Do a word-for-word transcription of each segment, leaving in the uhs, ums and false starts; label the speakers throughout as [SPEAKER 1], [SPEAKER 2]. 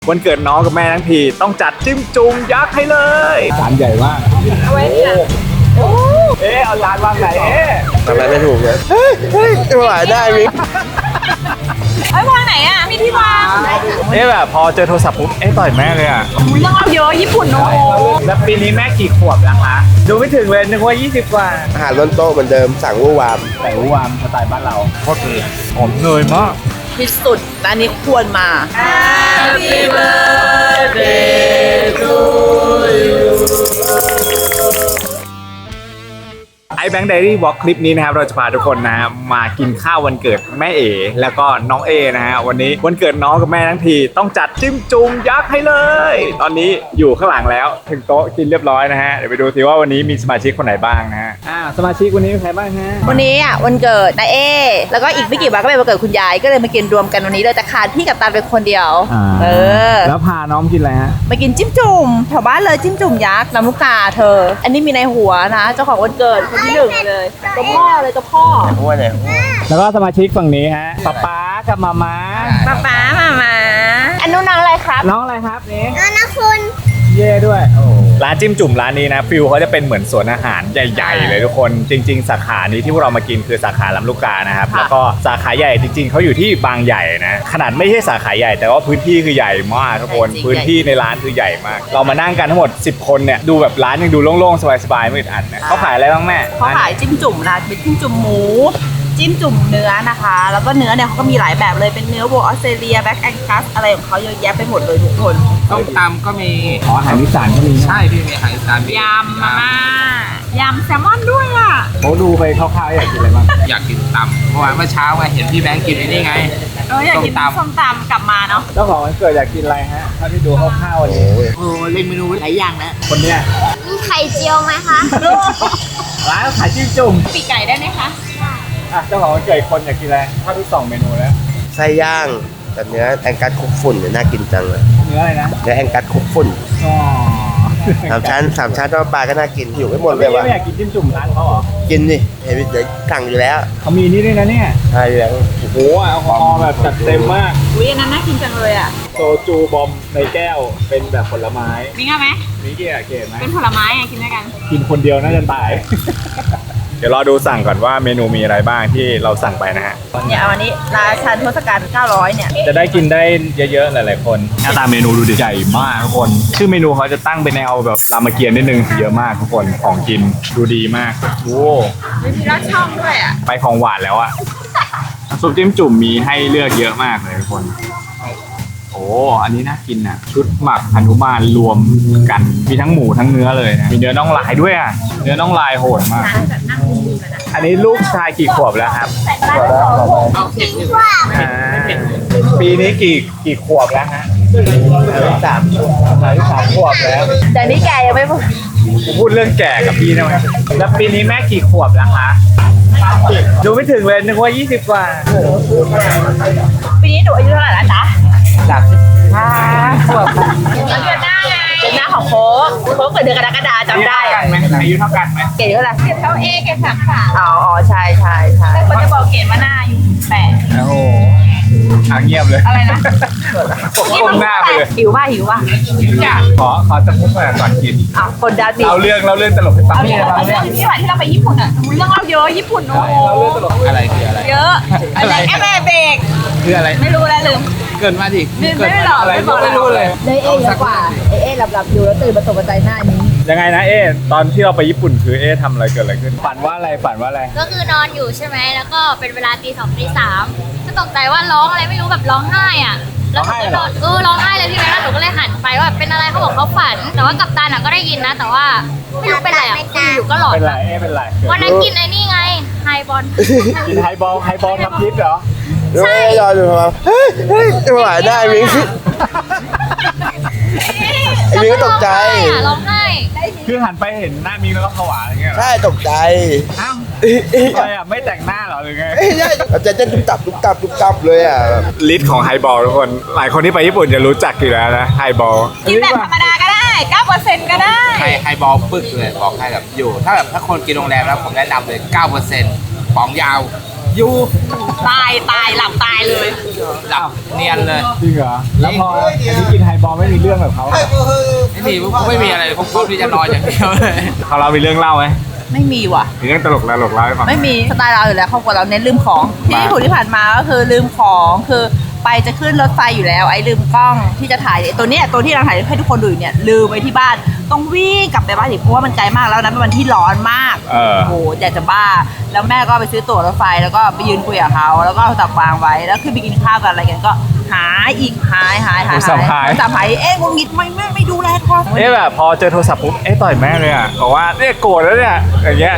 [SPEAKER 1] วันเกิดน้องกับแม่ทั้งทีต้องจัดจิ้มจุ่มยักษ์ให้เลยจานใหญ่มากเอาไว้เนี่ยเอ๊ะเอาจานวางไหนเอ๊ะ
[SPEAKER 2] ทำอะไรไม่ถูกเลยเฮ้ยเฮ้ยไม่ไหวได้มิ
[SPEAKER 3] ไอ้วางไหนอ่ะมีที่วาง
[SPEAKER 1] เอ๊ะแบบพอเจอโทรศัพท์ปุ๊บเอ๊ะต่อยแม่เลยอ่ะ
[SPEAKER 3] เรื่องเราเยอะญี่ปุ่นเนาะ
[SPEAKER 1] แล้วปีนี้แม่กี่ขวบแล้วคะดูไม่ถึงเลยนึกว่ายี่สิบกว่า
[SPEAKER 2] อาหารล้นโต๊ะเหมือนเดิมสั่งวู่วาม
[SPEAKER 1] แต่วู่วามสไตล์บ้านเราโคตรดีหอมเนยมาก
[SPEAKER 3] ที่สุดร้านนี้ควรมา Happy birthday to you
[SPEAKER 1] ไอแบงค์ไดรี่วอล์กคลิปนี้นะครับเราจะพาทุกคนนะฮะมากินข้าววันเกิดแม่เอแล้วก็น้องเอนะฮะวันนี้วันเกิดน้องกับแม่ทั้งทีต้องจัดจิ้มจุ่มยักษ์ให้เลยตอนนี้อยู่ข้างหลังแล้วถึงโต๊ะกินเรียบร้อยนะฮะเดี๋ยวไปดูสิว่าวันนี้มีสมาชิกคนไหนบ้างนะฮะอ่าสมาชิกวันนี้มีใครบ้างฮะ
[SPEAKER 3] วันนี้อ่ะวันเกิดนายเอแล้วก็อีกไม่กี่วันก็เป็นวันเกิดคุณยายก็เลยมากินรวมกันวันนี้เลยแต่ขาดพี่กับตาเป็นคนเดียวเออ
[SPEAKER 1] แล้วพาน้องกินอะไรฮะ
[SPEAKER 3] มากินจิ้มจุ่มแถวบ้านเลยจิ้มจุ่มยักษ์น้ำลูกกาเธออันนี้มีในหัวนะเจ้าของวันเกิดคนที่หนึ่งเลยตัวพ่อเลยตัวพ่อ
[SPEAKER 2] หัวเนี่ย
[SPEAKER 1] แล้วก็สมาชิกฝั่งนี้ฮะป๊าป๊ากับมาม่า
[SPEAKER 3] ป๊าป๊ามาม่าอันนู้นน้องอะไรครับ
[SPEAKER 1] น้องอะไรครับนี่
[SPEAKER 3] น้องนะคุณ
[SPEAKER 1] เย่ด้วยร้านจิ้มจุ่มร้านนี้นะฟิลเขาจะเป็นเหมือนสวนอาหารใหญ่ๆเลยทุกคนจริงๆสาขานี้ที่พวกเรามากินคือสาขาลำลูกกานะครับแล้วก็สาขาใหญ่จริงๆเขาอยู่ที่บางใหญ่นะขนาดไม่ใช่สาขาใหญ่แต่ว่าพื้นที่คือใหญ่มากทุกคนพื้นที่ในร้านคือใหญ่มากเรามานั่งกันทั้งหมดสิบคนเนี่ยดูแบบร้านยังดูโล่งๆสบายๆไม่อึดอัดนะเขาขายอะไรบ้างแม่
[SPEAKER 3] เขาขายจิ้มจุ่มนะเป็นจิ้มจุ่มหมูจิ้มจุ่มเนื้อนะคะแล้วก็เนื้อเนี่ยเขาก็มีหลายแบบเลยเป็นเนื้อวัวออสเตรเลียแบ็กแองกัสอะไรของเขาเยอะแยะไปหมดเลยทุกคน
[SPEAKER 4] ต้มตำก็มี
[SPEAKER 1] อ๋ออาหารอีสานก็มี
[SPEAKER 4] ใช่พี่มีอาหารอีสาน
[SPEAKER 3] ยำมาม่ายำแซลมอนด้วยอ่ะ
[SPEAKER 1] เขาดูไปคร่าวๆอยากกินอะไรบ้าง
[SPEAKER 4] อยากกินตำเมื่อวานเมื่อเช้าไงเห็นพี่แบงค์กินไอ้นี่ไง
[SPEAKER 3] เอออยากกินส้มตำกลับมาเนาะ
[SPEAKER 1] เจ้าของวันเกิดอยากกินอะไรฮะถ้าที่ดูคร่าวๆวันนี้
[SPEAKER 4] โอ้เล่นเมนูหลายอย่างนะ
[SPEAKER 1] คนเนี้ย
[SPEAKER 3] มีไข่เจียวไหมคะ
[SPEAKER 1] ร้านขายจิ้มจุ่ม
[SPEAKER 3] ปีกไก่ได้ไหมคะ
[SPEAKER 1] อ่ะเจ้าของวันเกิดคนอยากกินอะไรถ้าที่สองเมนูแล้ว
[SPEAKER 2] ไส้ย่างแต่เนื้อแองกัสคุกฝุ่นเนี่ยน่ากินจังเลย
[SPEAKER 1] เนื้ออะไรนะ
[SPEAKER 2] เนื้อแองกัสคุกฝุ่น
[SPEAKER 1] อ๋อ
[SPEAKER 2] สามชั้นสามชั้นทอดปลาก็น่ากินอยู่ไม่หมดเลยว่ะ
[SPEAKER 1] ไม่อยากกินจิ้มจุ่มร้านเขาเหรอ
[SPEAKER 2] กินดิเห็นเดี๋ยวสั่งอยู่แล้ว
[SPEAKER 1] เขามีนี่ด้วยนะเนี่ย
[SPEAKER 2] ใช่แล้ว
[SPEAKER 1] โอ้โหแอลกอฮอล์แบบจัดเต็มมาก
[SPEAKER 3] อุ้ยอันนั้นน่ากินจังเลยอ่ะ
[SPEAKER 1] โซจูบอมในแก้วเป็นแบบผลไม้
[SPEAKER 3] มีง่ายไหม
[SPEAKER 1] มีเกียร์เกศไหม
[SPEAKER 3] เป็นผลไม้ไงกินด้วยกัน
[SPEAKER 1] กินคนเดียวน่าจะตายเดี๋ยวรอดูสั่งก่อนว่าเมนูมีอะไรบ้างที่เราสั่งไปนะฮะ
[SPEAKER 3] เนี่ยเอาอันนี้ราชันทศกัณฐ์เก้าร้อยเนี่ย
[SPEAKER 1] จะได้กินได้เยอะๆหลายๆคนหน้าตาเมนูดูใหญ่มากทุกคนชื่อเมนูเขาจะตั้งเป็นแนวแบบรามเกียรติ์นิดนึงเยอะมากทุกคนของกินดูดีมากโอ้
[SPEAKER 3] มีรสช่องด้วยอ่ะ
[SPEAKER 1] ไปของหวานแล้วอ่ะซุปจิ้มจุ่มมีให้เลือกเยอะมากเลยทุกคนโอ้อันนี้น่ากินอ่ะชุดหมักหนุมานรวมกันมีทั้งหมูทั้งเนื้อเลยนะมีเนื้อน่องลายด้วยอ่ะเนื้อน่องลายโหดมากอันนี้ลูกชายกี่ขวบแล้วครับปีนี้กี่กี่ขวบแล้วฮะ
[SPEAKER 2] สาม
[SPEAKER 1] สามขวบแล้ว
[SPEAKER 3] แต่นี่แกยังไม่พูด
[SPEAKER 1] พูดเรื่องแก่กับพี่ได้ไหมแล้วปีนี้แม่กี่ขวบแล้วคะดูไม่ถึงเลยนึกว่ายี่สิบกว่า
[SPEAKER 3] ปีนี้หนูอายุเท่าไหร่แล้วจ๊ะ
[SPEAKER 1] สามสิบห้าขวบ
[SPEAKER 3] เดือนหน้าไงเดือนหน้าของโค้กโค้กเกิดเดือนกรกฎาคมจำได้
[SPEAKER 1] กันไหมอายุเท่ากันไหม
[SPEAKER 3] เกรดเท่าไหร่เกรดเท่าเอเกรดสามสามอ๋อใช่ใช่ใช่
[SPEAKER 1] แต่
[SPEAKER 3] คนจะบอกเกรดว่าหน้าอยู่แปด
[SPEAKER 1] โอ้โหอ่ะเงียบเลย
[SPEAKER 3] อะไรนะ
[SPEAKER 1] ก้มหน้าไปเลย
[SPEAKER 3] หิวป่ะหิวป่ะ
[SPEAKER 1] ขอขอจะพูดมาก่อนกิน
[SPEAKER 3] อ้าวคนดัด
[SPEAKER 1] เราเรื่องเราเรื่องตลกให้ฟัง
[SPEAKER 3] เรื่องเรื่องที่วันที่เราไปญี่ปุ่นอ่ะเรื่องเราเยอะญี่ปุ่นโอ้โห
[SPEAKER 1] อะไรคืออะไร
[SPEAKER 3] เยอะอะไรแอปเบรก
[SPEAKER 1] คืออะไร
[SPEAKER 3] ไม่รู้แล้วลืม
[SPEAKER 1] เกินมาดิ
[SPEAKER 3] ไม่ไม่หรอก
[SPEAKER 1] ไม่บอกไม่รู้เลย
[SPEAKER 3] เอเอเยอะกว่าเอเอหลับๆอยู่แล้วตื่นมาตกใจหน้านี้
[SPEAKER 1] ยังไงนะเอตอนที่เราไปญี่ปุ่นคือเอทำอะไรเกิดอะไรขึ้นฝันว่าอะไรฝันว่าอะไร
[SPEAKER 5] ก็คือนอนอยู่ใช่ไหมแล้วก็เป็นเวลาตีสองตีสามก็ตกใจว่าร้องอะไรไม่รู้แบบร้องไห้อ่ะแล้วหนูก็นอนเออร้องไห้เลยพี่แม่แล้วหนูก็เลยหันไปว่าเป็นอะไรเขาบอกเขาฝันแต่ว่ากัปตันอ่ะก็ได้ยินนะแต่ว่าไม่รู้เป็นอะไรอ่ะคืออยู่ก็หลอน
[SPEAKER 1] เป็นไรเอเป็นไร
[SPEAKER 5] วันนั้นกินไอ้นี่ไงไฮบอล
[SPEAKER 1] กินไฮบอลไฮบอลทำพิษเหรอ
[SPEAKER 2] ใช่รอดูครับเฮ้ยเฮ้ยไม่ไหวได้มิงมิงก็ตกใจ
[SPEAKER 5] ร้องไห้
[SPEAKER 1] คือหันไปเห็นหน้ามิงแล้วก็ผวาอะไรเงี้ย
[SPEAKER 2] ใช่ตกใจ
[SPEAKER 1] อ้าวอะไรอ่ะไม่แต่งหน้าหรอหรือไง
[SPEAKER 2] ใช่จะจะตุ้มตับตุ้มตับตุ้มตับเลยอ่ะ
[SPEAKER 1] ลิสต์ของไฮบอลทุกคนหลายคนที่ไปญี่ปุ่นจะรู้จักอยู่แล้วนะไฮบอล
[SPEAKER 3] กินแบบธรรมดาก็ได้เก้าเปอร์เซ็นต์ก็ได้
[SPEAKER 4] ไฮไฮบอลปึกเลยบอกให้แบบอยู่ถ้าแบบถ้าคนกินโรงแรมแล้วผมแนะนำเลยเก้าเปอร์เซ็นต์ป๋องยาว
[SPEAKER 3] อยู่ตายตายหลับตายเลย
[SPEAKER 4] หลับเนียนเลย
[SPEAKER 1] จริงเหรอแล้วพออันนี้กินไฮบอลไม่มีเรื่องแบบเขา
[SPEAKER 4] ไอ้นี่พวกไม่มีอะไรพวกพวกที่จะนอนอย่างเดียวเลย
[SPEAKER 1] เขาเรามีเรื่องเล่าไหม
[SPEAKER 3] ไม่มีว่ะ
[SPEAKER 1] มีเรื่องตลกตลกเล่าให้ฟัง
[SPEAKER 3] ไม่มีสไตล์เราอยู่แล้วครอบครัวเราเน้นลืมของที่ญี่ปุ่นที่ผ่านมาก็คือลืมของคือไปจะขึ้นรถไฟอยู่แล้วไอ้ลืมกล้องที่จะถ่ายตัวเนี้ยตัวที่เราถ่ายให้ทุกคนดูอยู่เนี่ยลืมไว้ที่บ้านต้องวิ่งกลับไปบ้านอีกเพราะว่ามันไกลมากแล้วนั้นเป็นวันที่ร้อนมาก
[SPEAKER 1] เออ
[SPEAKER 3] โอ้โหอยากจะบ้าแล้วแม่ก็ไปซื้อตั๋วรถไฟแล้วก็ไปยืนคุยกับเขาแล้วก็เอาตับวางไว้แล้วขึ้นไปกินข้าวกันอะไรกันก็หายอีกหายหายหาย
[SPEAKER 1] โทรศัพท์หาย
[SPEAKER 3] โทรศัพท์หายเอ๊ะงุนงิดไม่ไม่ไม่ดูแลโทรศัพท์
[SPEAKER 1] เอ๊ะแบบพอเจอโทรศัพท์ปุ๊บเอ๊ะต่อยแม่เลยอ่ะบอกว่าเนี่ยโกรธแล้วเนี่ยอย่างเงี้ย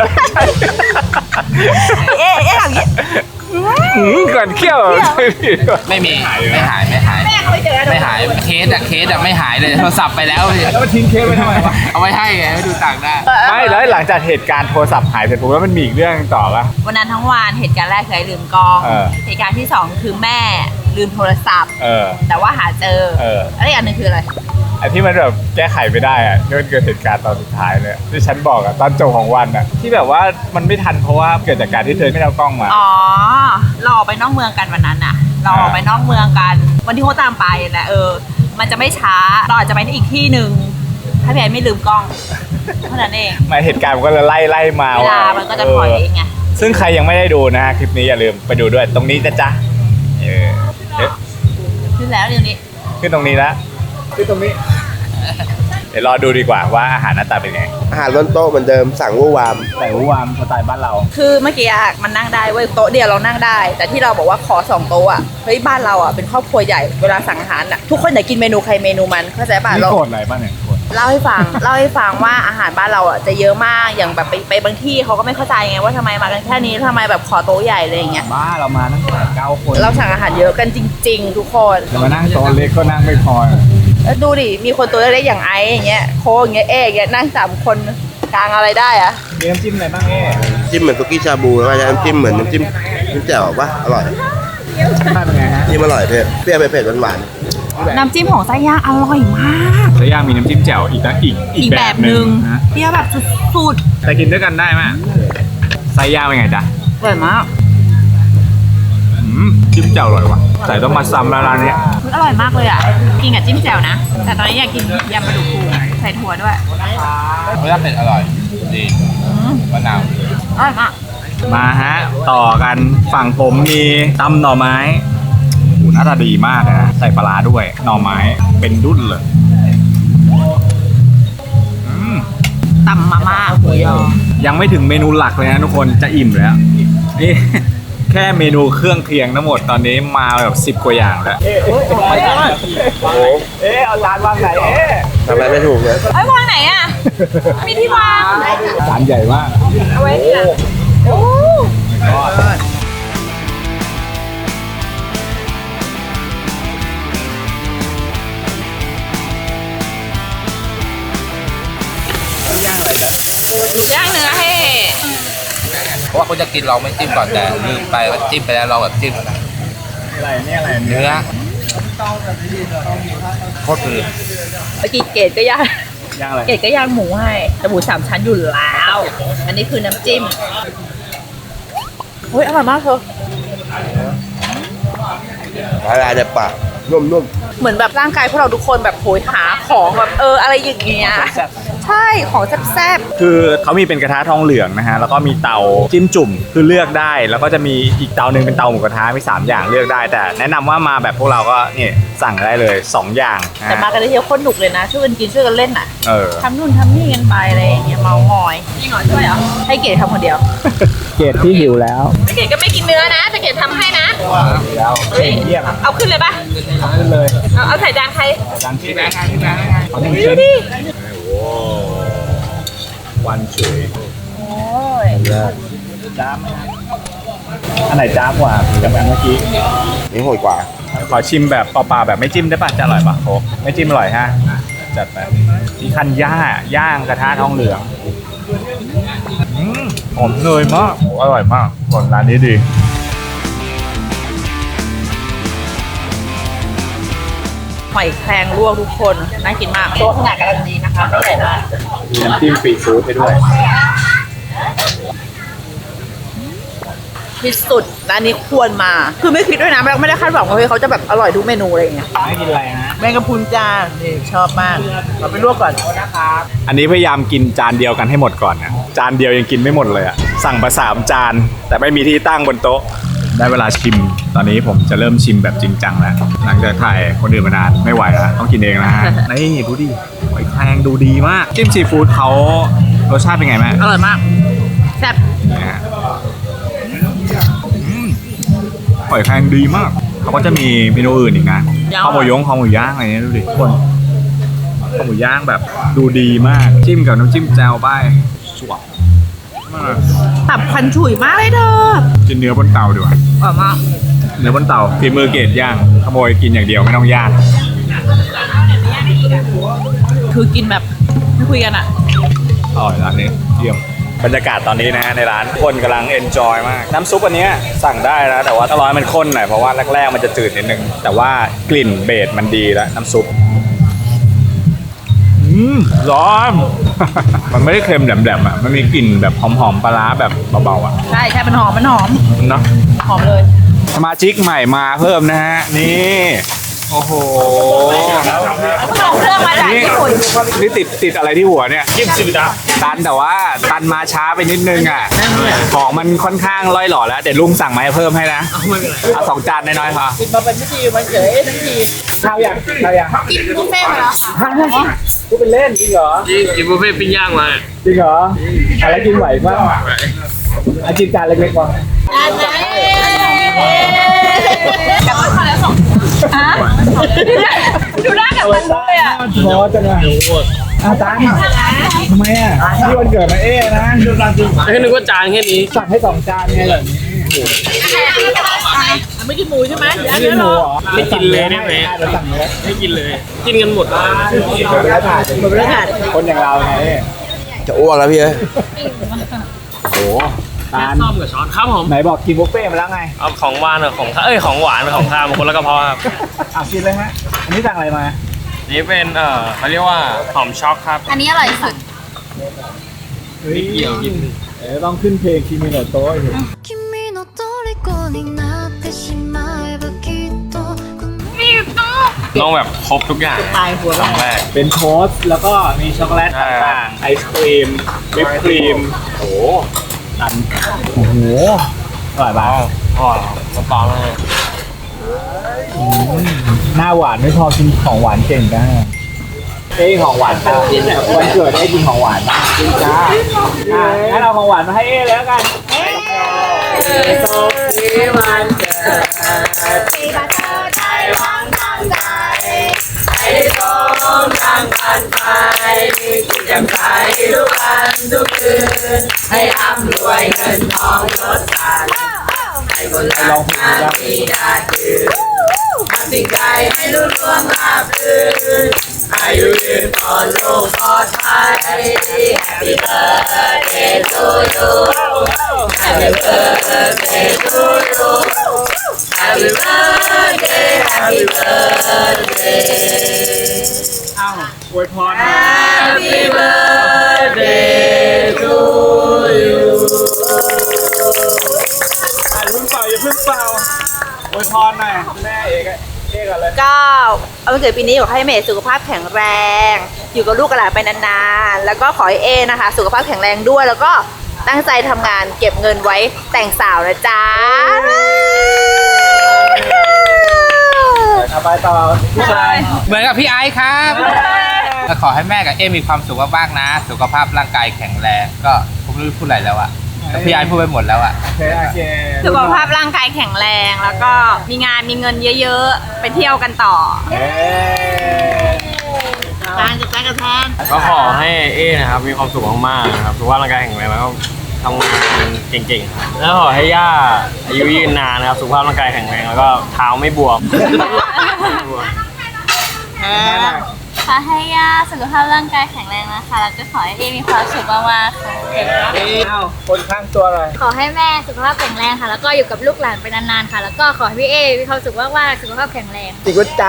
[SPEAKER 3] เอ๊ะเอ๊ะอย่างเงี้ย
[SPEAKER 1] หืมก่อนเขี้ยว
[SPEAKER 4] ไม่มีไม่หายไม่หาย
[SPEAKER 3] แม่เขาไปเจอ
[SPEAKER 4] ไม่หายเคสอะเคสอะไม่หายเลยโทรศัพท์ไปแล้ว
[SPEAKER 1] แล้วมันทิ้งเคสไว้ทำไมวะ
[SPEAKER 4] เอาไว้ให้ไงไม่ดูต่างได้
[SPEAKER 1] ไม่แล้วหลังจากเหตุการณ์โทรศัพท์หายเสร็จปุ๊บแล้วมันมีอีกเรื่องต่อปะ
[SPEAKER 3] วันนั้นทั้งวันเหตุการณ์แรกคือไอ้ลืมกล้อง
[SPEAKER 1] เออ
[SPEAKER 3] เหตุการณ์ที่สองคือแม่ลืมโทรศัพท์
[SPEAKER 1] เออ
[SPEAKER 3] แต่ว่าหาเจอ
[SPEAKER 1] เออ
[SPEAKER 3] แล้วอีกอันหนึงคืออะไร
[SPEAKER 1] ไอ้ที่มันแบบแก้ไขไม่ได้อะที่มันเกิดเหตุการณ์ตอนสุดท้ายเลยที่ฉันบอกอะตอนจบของวันอะที่แบบว่ามันไม่ทันเพราะว่าเกิดจากการที่เธอไม่ได้เอากล้องมา
[SPEAKER 3] อ๋อเราออกไปนอกเมืองกันวันนั้นน่ะ เราออกไปนอกเมืองกัน วันที่เขาตามไปแหละเออ มันจะไม่ช้า เราอาจจะไปที่อีกที่หนึ่งถ้าพี่ไอ้ไม่ลืมกล้องเท่านั้นเอง
[SPEAKER 1] หมายเหตุการณ์มันก็เลยไล่ไล่มา
[SPEAKER 3] เวลามันก็จะถอยเองไง
[SPEAKER 1] ซึ่งใครยังไม่ได้ดูนะฮะคลิปนี้อย่าลืมไปดูด้วยตรงนี้นะจ๊ะเออเอ๊ะ
[SPEAKER 3] ขึ้นแล้วเดี๋ยวนี้
[SPEAKER 1] ขึ้นตรงนี้ละขึ้นตรงนี้ เดี๋ยวรอดูดีกว่าว่าอาหารหน้าตาเป็นไง
[SPEAKER 2] อาหารล้นโต๊ะเหมือนเดิมสั่งวู่วาม
[SPEAKER 1] แต่วามสไตล์บ้านเรา
[SPEAKER 3] คือเมื่อกี้อะมันนั่งได้เว้ยโต๊ะเดียวเรานั่งได้ แต่ที่เราบอกว่าขอสองโต๊ะอ่ะเฮ้ยบ้านเราอ่ะเป็นครอบครัวใหญ่เวลาสั่งอาหารอ่ะทุกคนอยากกินเมนูใครเมนูมันเข้าใจป่ะ
[SPEAKER 1] นี่
[SPEAKER 3] เรา
[SPEAKER 1] โกรธอะไรบ้างเนี่ยโกรธ
[SPEAKER 3] เล่าให้ฟัง เล่าให้ฟังว่าอาหารบ้านเราอ่ะจะเยอะมากอย่างแบบไปไปบางที่เขาก็ไม่เข้าใจไงว่าทำไมมากันแค่นี้ทำไมแบบขอโต๊ะใหญ่อะไรอย่างเงี้ย
[SPEAKER 1] บ้าเรามาตั้งแต่เก้าคน
[SPEAKER 3] เราสั่งอาหารเยอะกันจริง ๆ ทุกคน
[SPEAKER 1] จะมานั่งโต๊ะเล็กก็นั่งไม่พอ
[SPEAKER 3] แล้วดูดิมีคนตัวเล็กๆอย่างไอ้อย่างเงี้ยโคอย่างเงี้ยเอ๊ะอย่างเงี้ยนั่งสามคนกลางอะไรได้อะ
[SPEAKER 1] มีน้ำจิ้มอะไรบ้างเอ๊ะ
[SPEAKER 2] จิ้มเหมือนซุกี้ชาบูแล้วก็น้ำจิ้มเหมือนน้ำจิ้มน้ำแจ่วปะอร่อย
[SPEAKER 1] ทานเป็นไงฮะ
[SPEAKER 2] จิ้มอร่อยเผ็ดเปรี้ยวเผ็ดหวาน
[SPEAKER 3] น้ำจิ้มของไส้ย่างอร่อยมาก
[SPEAKER 1] แล้วย่างมีน้ำจิ้มแจ่วอีกนะอีก
[SPEAKER 3] อีกแบบหนึ่ง
[SPEAKER 1] นะ
[SPEAKER 3] เปรี้ยวแบบสุด
[SPEAKER 1] แต่กินด้วยกันได้ไหมไส้ย่างเป็นไงจ๊ะ
[SPEAKER 3] ๆอร่อยมาก
[SPEAKER 1] อืมจิ้มแจ่วอร่อยว่ะใส่ต้องมาซ้ำแล้วร้านเนี้ย
[SPEAKER 3] มันอร่อยมากเลยอ่ะกินกับจิ้มแจ่วนะ แต่ตอนนี้อยากกินยำปลาดุกฟูใส่ถั่วด้วย
[SPEAKER 4] รสชาติเผ็ดอร่อยดี
[SPEAKER 3] อืม
[SPEAKER 4] มะนาว
[SPEAKER 3] อร่อยมาก
[SPEAKER 1] มาฮะต่อกันฝั่งผมมีตำหน่อไม้โหหน้าตาดีมากเลยนะใส่ปลาร้าด้วยหน่อไม้เป็นดุ้นเลยอืม
[SPEAKER 3] ตำมาม่าหมูยอ
[SPEAKER 1] ยังไม่ถึงเมนูหลักเลยนะทุกคนจะอิ่มแล้วนี่ แค่เมนูเครื่องเคียงทั้งหมดตอนนี้มาแบบสิบกว่าอย่างแล้วเอ๊ะ
[SPEAKER 2] ๆโอ้โห
[SPEAKER 1] เอ๊ะเอาจานวางไหนเอ๊ะ
[SPEAKER 2] ทำอะไรไม่ถูกเลย
[SPEAKER 3] เอ้ยวางไหนอ่ะ มีที่วาง
[SPEAKER 1] จานใหญ่มาก
[SPEAKER 3] เอาไว้เนี่ยโอ้ ย่างเนื้อให้
[SPEAKER 4] เพราะว่าเขาจะกินเราไม่จิ้มก่อนแต่ลืมไปว่าจิ้มไปแล้วเราแบบจิ้ม
[SPEAKER 1] อะไรเนี่ยอะไร
[SPEAKER 4] เนื้อโคตรดี
[SPEAKER 3] เมื่อกี้เกดก็ย่าง
[SPEAKER 1] ย่างอะไร
[SPEAKER 3] เกดก็ย่างหมูให้แต่หมูสามชั้นอยู่แล้ว อันนี้คือน้ำจิ้มเฮ้ยอร่อยมากเธอ
[SPEAKER 2] ละลายในปากนุ่ม
[SPEAKER 3] เหมือนแบบร่างกายพวกเราทุกคนแบบโหยหาของแบบเอออะไรอย่างเงี้ย ใช่ของแซ่บ
[SPEAKER 1] คือเขามีเป็นกระทะทองเหลืองนะฮะแล้วก็มีเตาจิ้มจุ่มคือเลือกได้ แล้วก็จะมีอีกเตาหนึ่งเป็นเตาหมูกระทะมีสามอย่างเลือกได้ แต่แนะนำว่ามาแบบพวกเราก็นี่สั่งได้เลยสองอย่าง
[SPEAKER 3] ๆ
[SPEAKER 1] นะ
[SPEAKER 3] แต่มากันได้เที่ยวโคตรหนุกเลยนะ ช่วยกันกินช่วยกันเล่นอ่ะ
[SPEAKER 1] เออ
[SPEAKER 3] ทำนู่นทำนี่กันไปอะไรอย่างเงี้ยเมามอยนี่หน่อยช่วยเหรอให้เกดทำคนเดียว
[SPEAKER 1] เกรดที่หิวแล้ว
[SPEAKER 3] เกดก็ไม่กินเนื้อนะแต่เกดทำให้นะ
[SPEAKER 1] แล้ว
[SPEAKER 3] เฮ้ย
[SPEAKER 1] เยี่ยม
[SPEAKER 3] เอาขึ้นเลยปะ
[SPEAKER 1] ขึ้นเลย
[SPEAKER 3] เอาเอาใส่จานใคร
[SPEAKER 1] จานที่
[SPEAKER 4] พี่
[SPEAKER 1] แบ
[SPEAKER 4] แบ
[SPEAKER 1] ง
[SPEAKER 4] ง
[SPEAKER 1] ค์
[SPEAKER 4] ค์พี่แบงค์
[SPEAKER 1] เอาหนึ่ง
[SPEAKER 3] ดู
[SPEAKER 1] ชิ้น
[SPEAKER 3] ดิ
[SPEAKER 1] โอ้วันสวย
[SPEAKER 3] โอ้ย
[SPEAKER 1] จ้าบไหมอันไหนจ้าบกว่ากับอันเมื่อกี้
[SPEAKER 2] ๆนี่โหดกว่า
[SPEAKER 1] ขอชิมแบบเปล่าๆแบบไม่จิ้มได้ป่ะจะอร่อยป่ะโค้กไม่จิ้มอร่อยฮะจัดไปที่คันย่าย่างกระทะทองเหลืองอืมหอมเนยมากโอ้อร่อยมากคนร้านนี้ดี
[SPEAKER 3] หอยแครงลวกทุกคนน่ากินมากโต๊ะขนาดกำลังดีนะคะไม่ใหญ่มาก
[SPEAKER 1] มีน้ำจิ้มฟรีฟู้ดให้ด้วย
[SPEAKER 3] ที่สุดร้านนี้ควรมา คือไม่คิดด้วยนะไม่ได้คาดหวังว่าเฮ้ยเขาจะแบบอร่อยทุกเมนูอะไรอย่างเงี้ย
[SPEAKER 1] ไม่กินอะไรนะ
[SPEAKER 3] แมงกะพรุนจ้านี่ชอบมากเราไปลวกก่อนนะครับ
[SPEAKER 1] อันนี้พยายามกินจานเดียวกันให้หมดก่อนนะจานเดียวยังกินไม่หมดเลยอะสั่งมาสามจานแต่ไม่มีที่ตั้งบนโต๊ะได้เวลาชิม ตอนนี้ผมจะเริ่มชิมแบบจริงจังแล้วหลังจากถ่ายคนอื่นมานานไม่ไหวแล้วต้องกินเองนะฮะ นี่ดูดิหอยแครงดูดีมากจิ้มซีฟู้ดเขารสชาติเป็นไงแม่
[SPEAKER 3] อร่อยมากแซ่บ
[SPEAKER 1] นี่ฮะอืมหอยแครงดีมากเขาก็จะมีเมนูอื่นอีกนะข้าวหมูยงข้าวหมูย่างอะไรเนี้ยดูดิทุกคนข้าวหมูย่างแบบดูดีมากจิ้มกับน้ำจิ้มแจ่วไปสวบมาก
[SPEAKER 3] ตับควันฉุยมากเลยเธอ
[SPEAKER 1] กินเนื้อบนเตาดีกว่า
[SPEAKER 3] อร่อยมาก
[SPEAKER 1] เนื้อบนเตาฝีมือเกรดย่างขโมยกินอย่างเดียวไม่ต้องย่าง
[SPEAKER 3] คือกินแบบไม่คุยกันอ่ะ
[SPEAKER 1] อร่อยร้านนี้เยี่ยมบรรยากาศตอนนี้นะฮะในร้านคนกำลังเอนจอยมากน้ำซุปอันเนี้ยสั่งได้นะแต่ว่าต้องรอให้มันข้นหน่อยเพราะว่าแรกๆมันจะจืดนิดนึงแต่ว่ากลิ่นเบสมันดีแล้วน้ำซุปอืมร้อน มันไม่ได้เค็มแหลมๆอ่ะมันมีกลิ่นแบบหอมๆปลาร้าแบบเบาๆอ่ะ
[SPEAKER 3] ใช่ใช่มันหอมมันหอม
[SPEAKER 1] เนาะ
[SPEAKER 3] หอมเลย
[SPEAKER 1] สมาชิกใหม่มาเพิ่มนะฮะนี่โอ้โห
[SPEAKER 3] เขาเอาเครื่องมาจาก
[SPEAKER 1] นี่
[SPEAKER 3] ญี่ปุ่น
[SPEAKER 1] นี่ติดติดอะไรที่หัวเนี่ยยิ่งสิบดาตันแต่ว่าตันมาช้าไปนิดนึงอ่ะของมันค่อนข้างล่อยหล่อแล้วเดี๋ยวลุงสั่งมาให้เพิ่มให้นะเอาสองจานน้อยๆพอ
[SPEAKER 3] กินมาเป็นพิธีมันเฉยทั้งที
[SPEAKER 1] ข้าวยังข้าวยัง
[SPEAKER 3] กินบุฟเฟ่ต์มาแล้วค่ะ
[SPEAKER 1] กูเป็นเล่นจริงเหรอ
[SPEAKER 6] จริงกินบุฟเฟ่ต์ปิ้งย่างมา
[SPEAKER 1] จริงเหรออะไรกินไหวบ้างอาจินจานเล็กๆก่อน
[SPEAKER 3] อันนั้นกลับมาแล้วสองฮะดูหน้ากับมันเลยอ่ะ
[SPEAKER 1] พอจังเลยอาจารย์ทำไมอ่ะที่วันเกิดมาเอ๊นะ
[SPEAKER 6] แค่นึกว่าจานแค่นี้
[SPEAKER 1] สั่งให้สองจานไงเหรอ
[SPEAKER 3] ไม่กินหมูใช่ไหม
[SPEAKER 1] ไม่กินหมูเหรอ
[SPEAKER 6] ไม่กินเลยได้ไหม
[SPEAKER 1] เดี๋ยวสั่งเนื้อ
[SPEAKER 6] ไม่กินเลย กินกันหมด
[SPEAKER 1] เดี๋ยวแล้วถ่าย
[SPEAKER 3] หมดแล้วค่ะ
[SPEAKER 1] คนอย่างเราไง
[SPEAKER 2] จะอ้วกแล้วพี่เอ้ย
[SPEAKER 1] โอ้ตาล
[SPEAKER 6] ซ่อมกับช้อนครับผม
[SPEAKER 1] ไหนบอกกินบุฟเฟ่ต์มาแล้วไง
[SPEAKER 6] เอาของหวานกับของข้าวเอ้ยของหวานกับของข้าวมาคนละกระเพาะครับ
[SPEAKER 1] อ่ะกินเลยฮะ อันนี้สั่งอะไรมา
[SPEAKER 6] นี่เป็นเอ่อเขาเรียกว่าหอมช็อกครับ
[SPEAKER 5] อันนี้อร่อยสุด
[SPEAKER 1] เฮ้ย
[SPEAKER 6] เกี่ยวกิน
[SPEAKER 1] เดี๋ยวต้องขึ้นเพลงคิมิโนโตะอยู่
[SPEAKER 7] 君の虜になってしまえばきっと
[SPEAKER 6] ต้องแบบครบทุกอย่าง
[SPEAKER 3] ตายหัว
[SPEAKER 6] ครั้งแรก
[SPEAKER 1] เป็นโทสต์แล้วก็มีช็อกโกแลต
[SPEAKER 6] ใช่
[SPEAKER 1] ต่างๆ ไอศครีม วิปครีม โอ้โหตันโอ้โห อร่อย
[SPEAKER 6] อ๋
[SPEAKER 1] ป่ะ
[SPEAKER 6] ออ๋อน้ำตาลเลย
[SPEAKER 1] หน้าหวานไม่พอกินของหวานเก่งจ้าเอ้ของหวานจ้าวันเกิดได้กินของหวานจริงจ้าอ่ะงั้นเอาของหวานมาให้เอ้แล้วกันเอ้โชคดีวันเกิดปีบัตรไทยวังทางใจให้สมทางผ่านไปมีกิจกรรมใจทุกวันทุกคืนให้ร่ำรวยเงินทองยศศักดิ์ให้คนรักกันมีนาทีทำสิ่งใดให้รุ่งเรืองราบรื่นอายุยืนปลอดโรคปลอดภัย Happy birthday to you Happy birthday to you Happy birthday Happy birthday อ้าวอวยพร Happy birthday to you อ่ะอย่าเพิ่งเป่าอย่าเพิ่งเป่าอวยพรหน่อยแม่เอกอะเอกอะไร
[SPEAKER 3] ก็เอาวันเกิดปีนี้ขอให้เมย์สุขภาพแข็งแรง อยู่กับลูกกับหลานไปนานๆ แล้วก็ขอให้เอนะคะ สุขภาพแข็งแรงด้วย แล้วก็ตั้งใจทำงานเก็บเงินไว้แต่งสาวนะจ๊ะ
[SPEAKER 1] เอาไปต่อผู้ชาย
[SPEAKER 4] เหมือนกับพี่ไอซ์ครับก็ขอให้แม่กับเอมีความสุขมากๆนะ สุขภาพร่างกายแข็งแรงก็ผมไม่รู้พูดอะไรแล้วอะก็พี่ไอซ์พูดไปหมดแล้วอะ
[SPEAKER 1] โอเคโอเค
[SPEAKER 3] สุขภาพร่างกายแข็งแรง แล้วก็มีงานมีเงินเยอะๆ ไปเที่ยวกันต่อ
[SPEAKER 1] เอ๊ะ
[SPEAKER 3] ทานกับแจ๊กกับแทน
[SPEAKER 6] ก็ขอให้เอ้นะครับมีความสุขมากๆนะครับสุขภาพร่างกายแข็งแรงแล้วก็ทำงานเก่งๆแล้วขอให้ย่าอายุยืนนานนะครับสุขภาพร่างกายแข็งแรงแล้วก็เท้าไม่บวม
[SPEAKER 5] ขอให้ย่าสุขภาพร่างกายแข็งแรงนะคะ แล้วก็ขอให้เอมีความสุขมากๆค่ะ
[SPEAKER 1] เอ้าคนข้างตัวอะไร
[SPEAKER 5] ขอให้แม่สุขภาพแข็งแรงค่ะ แล้วก็อยู่กับลูกหลานไปนานๆค่ะ แล้วก็ขอให้พี่เอมีความสุขมากๆสุขภาพแข็งแรง
[SPEAKER 1] จิกุจ้า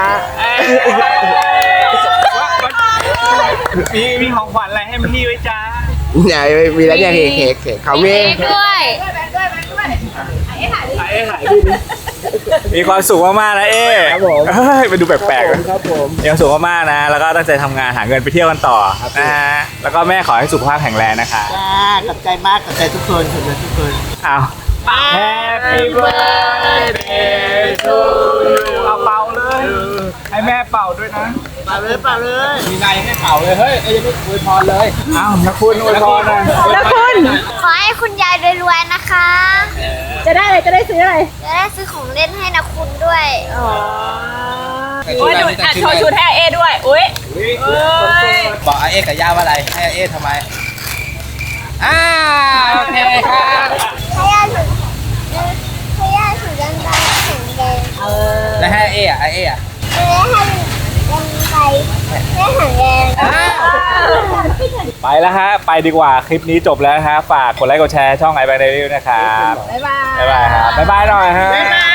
[SPEAKER 1] มีมีของขวัญอะไรให้พี่ไว้จ้า
[SPEAKER 2] เนี่ยมีแล้วเนี่ยเค้กเค้กเค้กเขามี
[SPEAKER 5] เค้กด้วย
[SPEAKER 1] อ
[SPEAKER 3] เอ๊ะหายดิ
[SPEAKER 6] เอ๊ะหายพี่
[SPEAKER 1] มีความสุขมากๆนะเอ๊
[SPEAKER 6] ครับผม
[SPEAKER 1] เฮ้ยไปดูแปลกๆนะครับ
[SPEAKER 6] ผม
[SPEAKER 1] มีความสุขมากๆนะ แล้วก็ตั้งใจทำงานหาเงินไปเที่ยวกันต่อนะฮะแล้วก็แม่ขอให้สุขภาพแข็งแรงนะคะ
[SPEAKER 2] จ้าขอบใจมากขอบใจทุกคนขอบใจทุกคน
[SPEAKER 1] อ้าว Happy birthday to you เอาเป่าเลย ให้แม่เป่าด้วยนะ
[SPEAKER 2] เป่าเลยเป่าเลย
[SPEAKER 4] มีนายยังไม่เป่าเลยเฮ้ยไอ้ยังไม่อวยพรเลย
[SPEAKER 1] อ้าวนะคุณอวยพรหน่อย
[SPEAKER 3] แล้วคุณ
[SPEAKER 5] ขอให้คุณยายรวยๆนะคะ
[SPEAKER 3] จะได้อะไรจะได้ซื้ออะไร
[SPEAKER 5] จะได้ซื้อของเล่นให้นะคุณด้วย
[SPEAKER 3] โอ้ยดูอ่ะโชว์ชุดให้เอด้วยอุ้ยเอ้ย
[SPEAKER 4] บอกอาเอ๊กับย่าว่าอะไรให้อาเอ๊ทำไมอ่าโอเคครับ
[SPEAKER 5] พยาสุดพยาสุดยังไงแข็งแรง
[SPEAKER 4] แล้วให้อาเอ๊อะอาเอ๊อะ
[SPEAKER 5] เออให้ยังไงให้แข็งแรง
[SPEAKER 1] ไปแล้วฮะ ไปดีกว่า คลิปนี้จบแล้วนะฮะ ฝากกดไลค์กดแชร์ช่อง i อ a n Daily นะครับ
[SPEAKER 3] บ๊ายบาย
[SPEAKER 1] บ๊ายบายครับ บ๊ายบายหน่อยฮะ
[SPEAKER 3] บ๊ายบาย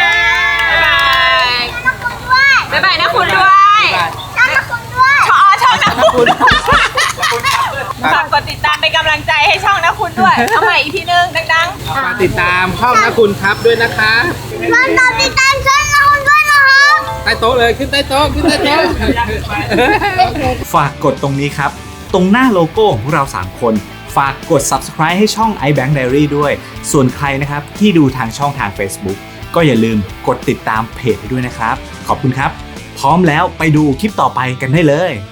[SPEAKER 3] บ๊ายบายนะคุณด้วย
[SPEAKER 5] ช่างนะคุณด้วย
[SPEAKER 3] ชอช่องนะคุณฝากกดติดตามเป็นกำลังใจให้ช่องนะคุณด้วยเอาใหม่อีกทีนึงดังๆ
[SPEAKER 4] มาติดตามช่องนะคุณครับด้วยนะคะ
[SPEAKER 5] มันตามติดตามช่องนะคุณด้วยนะครับ
[SPEAKER 4] ใต้โต๊ะเลยขึ้นใต้โต๊ะขึ้นใต้โต๊ะ
[SPEAKER 1] ฝากกดตรงนี้ครับ ตรงหน้าโลโก้ของพวกเรา สาม คน ฝากกด Subscribe ให้ช่อง iBank Diary ด้วย ส่วนใครนะครับที่ดูทางช่องทาง Facebook ก็อย่าลืมกดติดตามเพจด้วยนะครับ ขอบคุณครับ พร้อมแล้วไปดูคลิปต่อไปกันได้เลย